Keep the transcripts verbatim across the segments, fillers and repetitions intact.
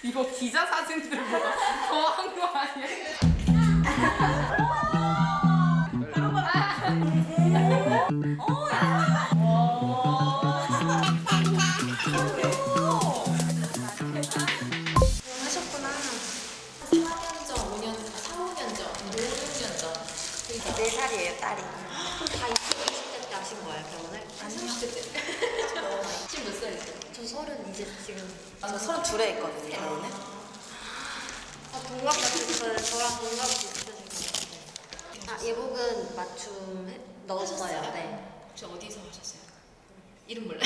이거 기자 사진들보다 더한 거 아니야? 하셨구나. 사 년 전, 오 년, 사, 오 년 전, 오, 육 년 전. 네 살이에요, 딸이. 그럼 다 이십 대 때 하신 거예요, 결혼을? 아니요. 삼십 대 때. 지금 몇 살이세요? 저 서른 이제 지금. 저 서른 둘에 했거든요, 결혼을. 아, 동갑 같으세요. 저랑 동갑 비슷하신 것 같아요. 아, 예복은 맞춤 해- 넣었어요. 네. 혹시 어디서 하셨어요? 이름 몰라요?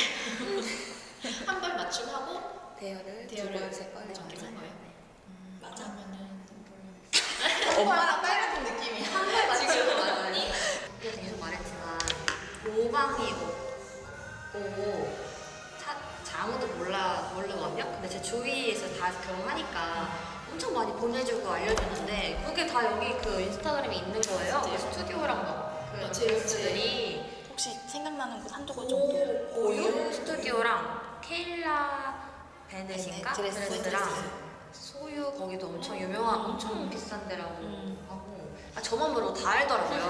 한 번 맞춤하고 대여를 두 대여를 번, 세 번, 이렇게 한 거예요? 음, 맞으면은 엄마랑 딸 같은 느낌이. 한번 맞춤 맞으니? 그래서 계속 말했지만 오방이 없고 차, 자, 아무도 몰라 몰라 완벽? 근데 제 주위에서 다 결혼하니까 엄청 많이 보내주고 알려주는데 그게 다 여기 그 인스타그램에 있는 거예요. 그 스튜디오랑 막그 어, 제- 제목들이 혹시 생각나는 곳 한두 곳 고, 정도? 고유 스튜디오랑 케일라 베넷인가? 베넷, 드레스. 드레스랑 소유 거기도 엄청 유명한 엄청 비싼 데라고 음. 하고 아 저만 모르고 다 알더라고요.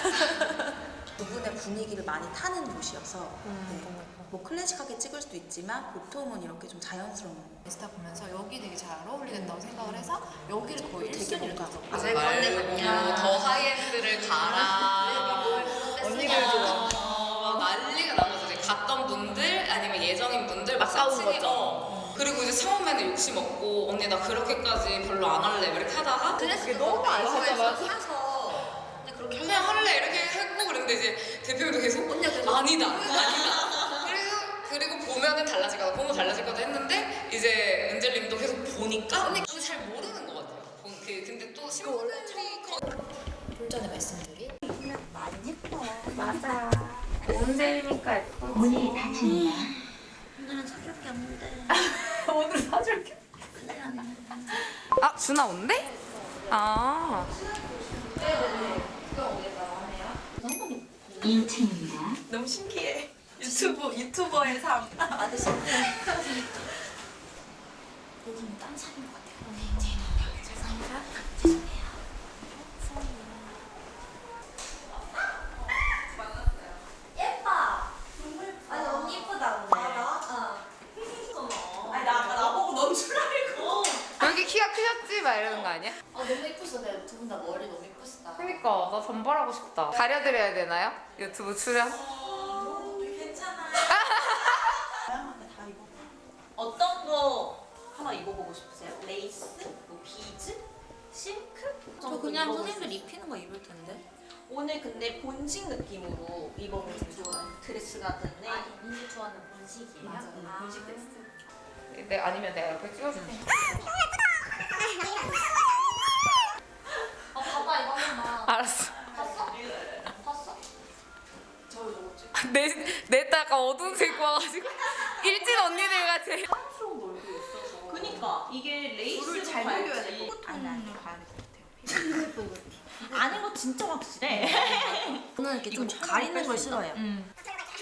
두 분의 분위기를 많이 타는 곳이어서 음. 뭐 클래식하게 찍을 수도 있지만 보통은 이렇게 좀 자연스러운 인스타 보면서 여기 되게 잘 어울리겠다고 생각을 해서 여기를 거의 되게 일 순위로 뭔가 뒀어요. 아, 왜 건네 갔냐. 더 하이엔드를 가라. 언니를 좋아. 어, 막 난리가 난 거죠. 이제 갔던 분들 아니면 예정인 분들 막 아까운 사진이 거죠. 어. 그리고 이제 처음에는 욕심 없고 언니 나 그렇게까지 별로 안 할래 막 이렇게 하다가 드레스도 너무 안 사서 사서 사서 그냥 그렇게 그냥 할래 이렇게 했고 그랬는데 이제 대표님도 계속 언니가 계속 아니다 아니다 그래서 그리고 보면은 달라질 거다 보면 달라질 거다 했는데 이제 은젤님도 계속 보니까 근데 잘 모르는 것 같아요. 본- 그 근데 또 신부들이 거... 좀 전에 말씀드린 언제니까 예쁘지. 문이 닫힙니다. 오늘은 사줄 게 없는데 오늘 사줄게. 아, 준아 온대? 아. 이 층입니다. 너무 신기해. 유튜브 유튜버의 삶. 아들 신데 여기는 딴 삶인 것 같아요. 죄송합니다. 죄송해요. 예뻐. 아니 언니 예쁘다 오늘. 아 나? 어. 아니 나 아까 나보고 넌 줄 알고. 여기 키가 크셨지? 막 이러는 거 아니야? 아 너무 예쁘시다. 두 분 다 머리 너무 예쁘시다. 그니까 나 전발하고 싶다. 가려드려야 되나요? 유튜브 출연? 어, 괜찮아요. 다양하게 다 입어. 어떤 거 하나 입어보고 싶으세요? 레이스, 뭐 비즈, 실크? 저 그냥 선생님들 입히는 거 입을 텐데. 오늘 근데 본식 느낌으로 입어보면 좋아요. 드레스 같은데. 언니 좋아하는 본식이에요? 맞아, 응, 본식 드레스. 네, 아니면 내가 옆에 찍어줄게. 아 봐봐 이거 하나. 알았어. 봤어? 봤어? 저 이거 찍 내, 내 딸 아까 어두운 색 와가지고 일진 언니들 같아. 사랑스러운 얼굴이 있어서. 그니까 이게 레이스를 잘 녹여야 돼. 포톤을 가야 될 것 같아요. 아는 거 진짜 확실해. 저는 이렇게 좀 가리는 걸 싫어해요. 음.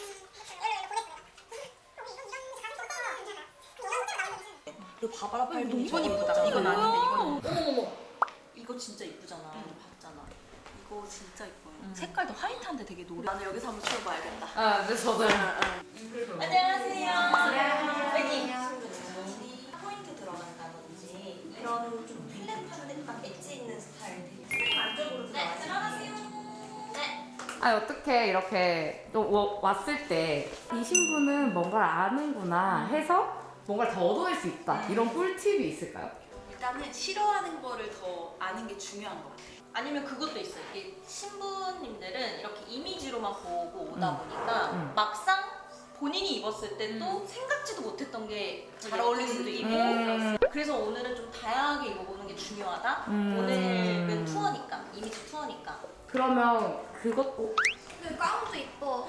이거 봐봐라 팔 너무 이건 이쁘다. 이건 아닌데 이건. 어머머머. 이거 진짜 이쁘잖아. 봤잖아. 이거 진짜 이뻐요. 색깔도 화이트한데 되게 노래. 나는 여기서 한번 찍어봐야겠다. 아, 근데 저도. 안녕하세요. 여기 포인트 들어간다든지 이런 좀 플랫한 듯한 엣지 있는 스타일 되게 안쪽으로 네 들어가세요. 네. 아, 어떻게 이렇게 또 워- 왔을 때 이 신부는 뭔가를 아는구나 해서 뭔가를 더 얻어낼 수 있다. 이런 꿀팁이 있을까요? 일단은 싫어하는 거를 더 아는 게 중요한 것 같아요. 아니면 그것도 있어요. 이게 신부님들은 이렇게 이미지로만 보고 오다 음. 보니까 음. 막상 본인이 입었을 때 또 생각지도 못했던 게 잘 어울릴 수도 있고 음. 그래서 오늘은 좀 다양하게 입어보는 게 중요하다. 음. 오늘은 투어니까 이미지 투어니까 그러면 그것도 근데 가운도 이뻐.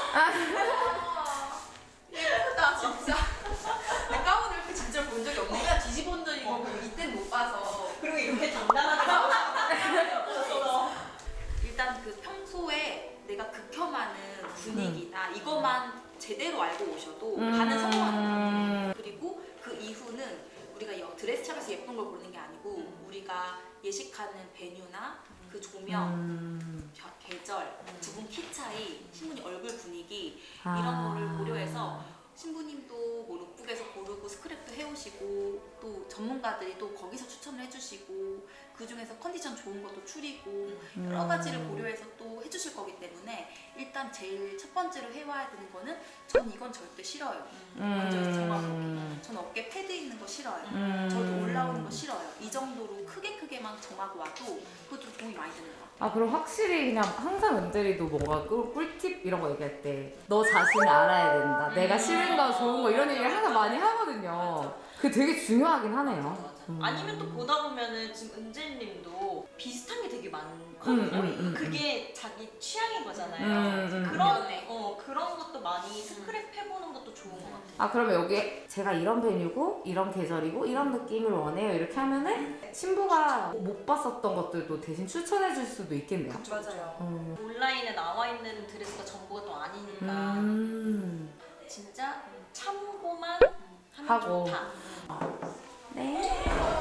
예쁘다 진짜. 내 가운을 이렇게 진짜 본 적이 없네. 내가 뒤집어 온 적이 고 이때는 못 봐서. 그리고 이렇게 당당하게 나오셨어. 일단 그 평소에 내가 극혐하는 분위기나 이것만 제대로 알고 오셔도 가는 성공하는 것 같아요. 그리고 그 이후는 우리가 여, 막 드레스샵에서 예쁜 걸 고르는 게 아니고 음. 우리가 예식하는 베뉴나 그 조명, 음. 겨- 계절, 두 분 키 차이, 신부님 얼굴 분위기 아. 이런 거를 고려해서 신부님도 뭐 룩북에서 고르고 스크랩도 해오시고 또 전문가들이 또 거기서 추천을 해주시고 그 중에서 컨디션 좋은 것도 추리고 여러 음. 가지를 고려해서 또 해주실 거기 때문에 일단 제일 첫 번째로 해와야 되는 거는 전 이건 절대 싫어요. 먼저 정하고 전 어깨 패드 있는 거 싫어요. 음. 저도 올라오는 거 싫어요. 이 정도로 크게 크게만 정하고 와도 그것도 도움이 많이 되는 것 같아요. 아 그럼 확실히 그냥 항상 은들이도 뭔가 꿀- 꿀팁 이런 거 얘기할 때 너 자신을 알아야 된다. 내가 싫은 거 좋은 거 이런 얘기를 항상 많이 하거든요. 그게 되게 중요하긴 하네요. 음. 아니면 또 보다 보면은 지금 은재님도 비슷한 게 되게 많거든요. 음, 음, 음, 그게 자기 취향인 거잖아요. 음, 음, 그런 음. 어 그런 것도 많이 스크랩 해보는 것도 좋은 것 같아요. 아 그러면 여기 제가 이런 베뉴고 이런 계절이고 이런 느낌을 원해요 이렇게 하면은 신부가 못 봤었던 것들도 대신 추천해 줄 수도 있겠네요. 맞아요. 음. 온라인에 나와 있는 드레스가 전부가 또 아니니까 음. 진짜 참고만 하면 하고. 좋다. 네.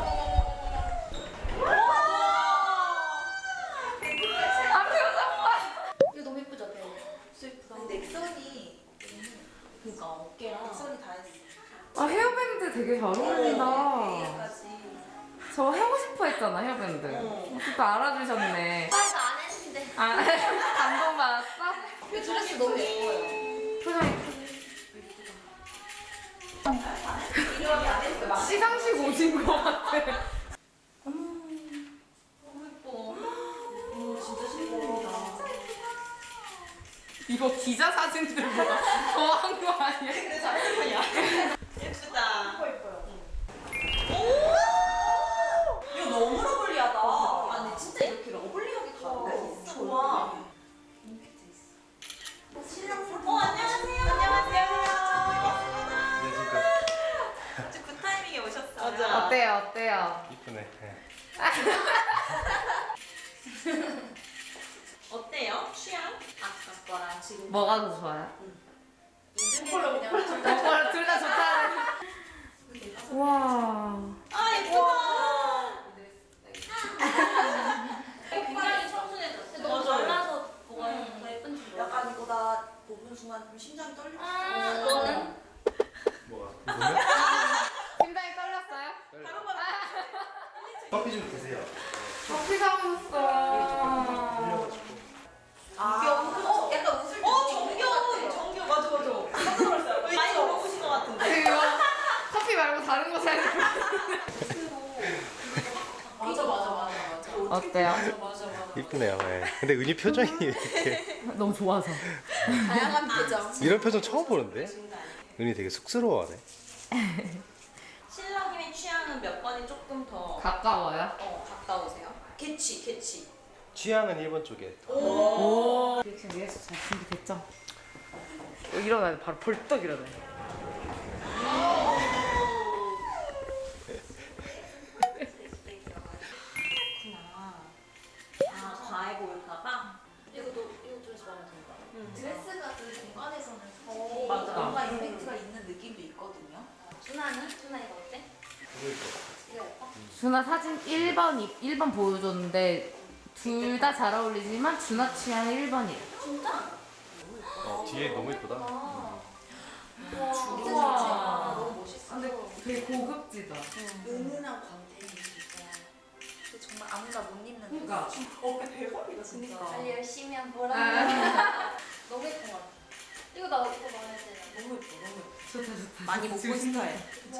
이거 너무 예쁘죠? 네. 넥선이 그러니까 어깨랑 넥선이 다 했어. 아 헤어밴드 되게 잘 어울린다. A까지. 저 하고 싶어 했잖아 헤어밴드. 또 알아주셨네. 오빠도 안 했는데. 아 감동 받았어? 이 드레스 너무 예뻐요. 표정이 시상식 오신 것 같아. 너무 예뻐. 진짜 신기하다. 이거 기자 사진들보다 더한 거 아니야? 그래서 핸드폰이야. 예쁘다. 이거 너무 러블리하다. 아 근데 진짜 이렇게 러블리하게 가는 좋아. 어 안녕하세요. 안녕하세요. 안녕하십니까. 진짜 굿 타이밍에 오셨어요. 맞아. 어때요? 어때요? 이쁘네. 네. 어때요? 취향? 아까 거랑 지금 뭐가 더 좋아요? 이걸로 그냥 오빠랑 둘 다 좋다는. 와. 아 예쁘다. 굉장히 청순해졌어요. 너무 맞아요. 잘라서 뭐가 더 예쁜지 몰라. 약간 이거 나 보는 순간 좀 심장이 떨려. 아, 너는? 뭐가? 궁금해? 심장이 떨렸어요? 커피 좀 드세요. 커피 사오셨어. 흘려가지고. 아, 어, 약간 웃을 때. 어 정겨 정겨 맞아 맞아. 깜짝 놀랐어요. 많이 먹어보신 것 같은데. 그리고 커피 말고 다른 거 사야 돼. 맞아, 맞아, 맞아, 맞아. 어때요? 맞아, 맞아. 이쁘네요. 네. 근데 은희 표정이 이렇게 너무 좋아서. 다양한 표정. 이런 표정 처음 보는데? 은희 되게 쑥스러워하네. 신랑님의 취향은 몇 번이 조금 더 가까워요? 어, 가까우세요? 개치 개치. 취향은 일 번 쪽에. 오. 지금 리허설 잘 준비됐죠? 일어나요. 바로 벌떡 일어나요. 그렇구나. 아 과해 보일까봐. 이것도 이거 좀 마음에 든다. 드레스가 그 공간에서는 어, 맞아. 뭔가 임팩트가 있는 느낌도 있거든요. 준하는? 준하 이거 어때? 이거 예뻐? 준아 사진 일 번, 일 번 보여줬는데 둘 다 잘 어울리지만 준아 취향 일 번이에요. 진짜? 어, 뒤에 너무 이쁘다. 와. 우와. 와. 너무 멋있어. 근데 되게 고급지다. 은은한 광택이 진짜. 근데 정말 아무나 못 입는. 그러니까. 어깨 대박이다, 진짜. 관리 열심히 한 보람. 아. 너무 예쁜 것 같아. 이거 나 이거 마음에 드네. 너무 예뻐, 너무 예뻐. 좋다 좋다. 많이 못 본 스타일.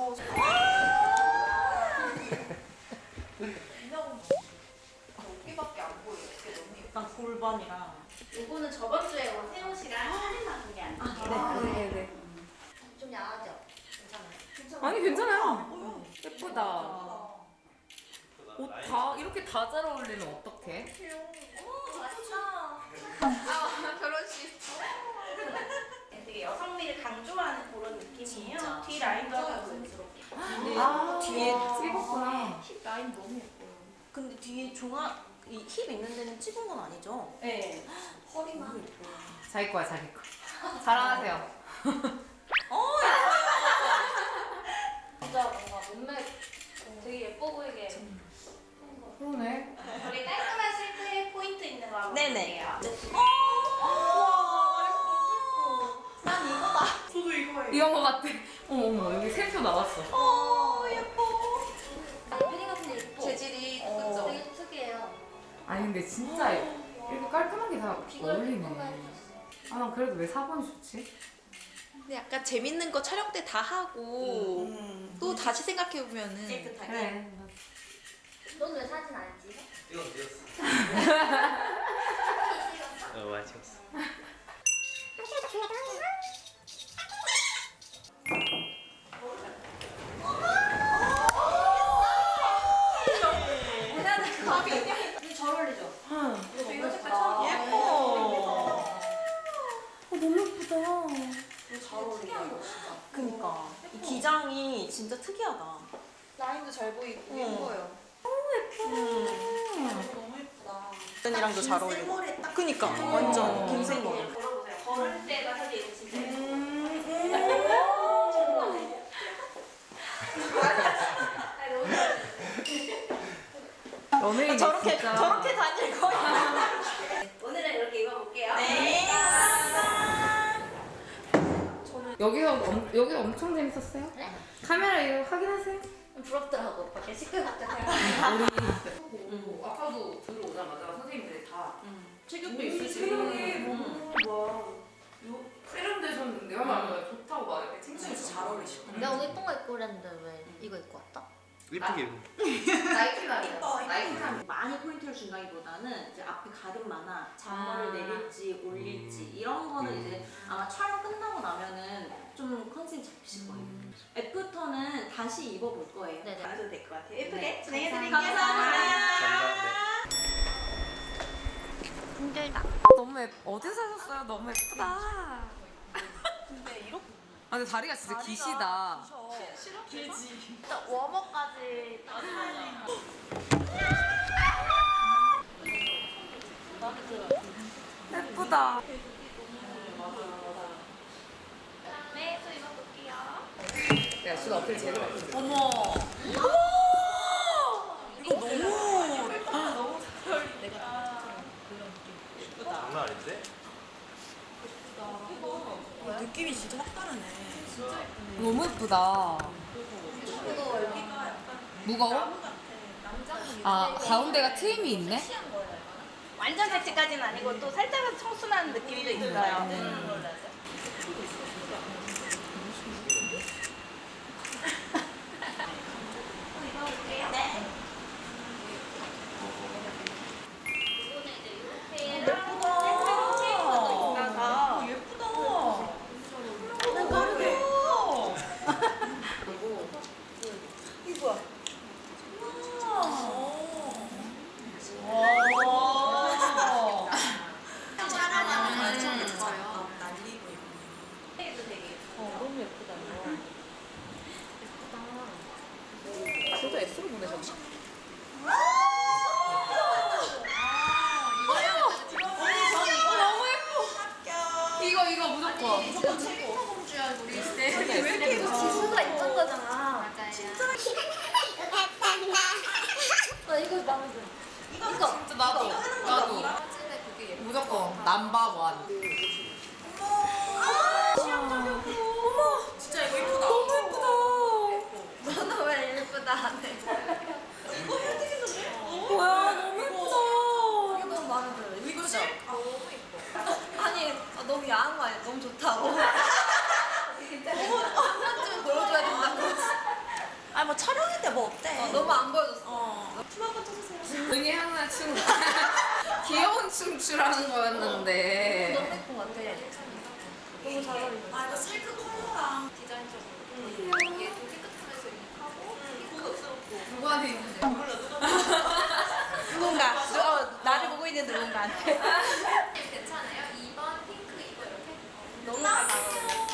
이나고 어깨밖에 안 보여. 어깨 너무 예뻐. 약간 골반이랑. 이거는 저번 주에 세호 씨랑 사진 나눈 게 아니에요. 네네네. 좀 야하죠? 괜찮아요? 아니 괜찮아요. 예쁘다. 옷 다 이렇게 다 잘 어울리면 어떡해? 오, 맛있다. 아, 결혼식. 되게 여성미를 강조하는 그런 느낌이에요. 진짜. 뒤 라인도 자연스럽게. 근데 아 뒤에 찍었구나. 힙 라인 너무 예뻐요. 근데 뒤에 종아 이 힙 있는 데는 찍은 건 아니죠? 네. 허리만. 자기 거야 자기 거. 자랑하세요. 어 진짜 뭔가 몸매 네네. 난 이거다. 저도 이거예요. 이런 거 같아. 어머 어머 여기 샘표 나왔어. 어 예뻐. 패딩 같은 게 예뻐. 재질이 어. 그죠? 되게 특이해요. 아니 근데 진짜 이렇게 깔끔하게 다 어울리네. 아 난 그래도 왜 사 번이 좋지? 근데 약간 재밌는 거 촬영 때 다 하고 음. 또 다시 생각해 보면은 깨끗하게. 그래. 넌 왜 사진 안 찍어? 이건 찍었어. 어 많이 찍었어. 근데 잘 어울리죠? 이거 색깔 처음 예뻐. 너무 예쁘다. 잘 어울린다. 그니까 이 기장이 진짜 특이하다. 라인도 잘 보이고 응. 예뻐요. 너무 예쁘다. 이랑도 잘 어울리고. 그니까 완전 긴 생머리. 걸을 때가 사실 진짜 연예인이 저렇게 진짜. 저렇게 다닐 거야. 오늘은 이렇게 입어볼게요. 네. 여기서 엄, 여기 엄청 재밌었어요? 네? 카메라 이거 확인하세요? 부럽더라고. 밖에 시끌 같은 거. 우리 아까도 들어오자마자 선생님들이 다 체격도 있으시고 세련되셨는데 하면 좋다고 막 이렇게 칭찬해서 잘 어울리시고 내가 오늘 예쁜 거 입고 그랬는데 왜 이거 입고 왔다? 이쁘게. 나이키 날이야 나이키 날 많이 포인트를 준다기보다는 이제 앞에 가름마나 잔머리를 아. 내릴지 올릴지 음. 이런 거는 음. 이제 아마 촬영 끝나고 나면은 좀 컨셉이 잡히실 거예요. 애프터는 다시 입어볼 거예요. 네네. 봐도 될 것 같아요. 예쁘게 네, 진행해드릴게요. 감사합니다. 힘들다. 너무 예뻐 어디서 사셨어요? 너무 예쁘다 근데 이렇게 아 근데 다리가 진짜 기시다 길지. 워머까지. 예쁘다 네, 또 입어볼게요. 내가 수가 어필 제대로 했어 어머. 어머. 이거 너무 너무 잘 어울린다. 장난 아닌데? 느낌이 진짜 확 다르네. 너무 예쁘다 무거워? 아 가운데가 트임이 있네? 완전 섹시까지는 아니고 또 살짝은 청순한 느낌도 있어요. 예쁘다. 예쁘다. 이거야. 촬영하면 엄청 예뻐요. 날리고 이거. 너무 예쁘다 이거 저도 S로 보내셨나? 이거 이거 무조건 무조건 최고. 공주야 우리 왜 이렇게 이거 지수가 있던 거잖아. 맞아요. 진짜. 나 이거 마음에 들어. 이거 이거. 진짜 나도 나도 사진에 그게 예뻐. 무조건 넘버원 진짜 이거 예쁘다. 너무 예쁘다 너는 왜 예쁘다 안 해? 이거 해야 되겠는데? 뭐야 너무 예쁘다 이거 너무 마음에 들어. 이거 진짜 너무 예뻐. 아니 아, 너무 야한 거 아니야? 너무 좋다고. 한 번쯤 보여줘야 된다고. 아니 뭐 촬영인데 뭐 어때? 어, 너무 안 보여줬어. 어. 춤 한번 춰주세요. 은희 항상 춤 귀여운 춤 추라는 거였는데 너무 예쁜 것 같아. 너무 잘 어울린다. 아 이거 실크 컬러랑 디자인적으로 이게 좀 깨끗하면서 유니크하고 고급스럽고. 누구한테 있는지 누군가. 어, 나를 보고 있는 누군가한테. 괜찮아요? 이 번 핑크 이거 이렇게? 너무 잘 나와.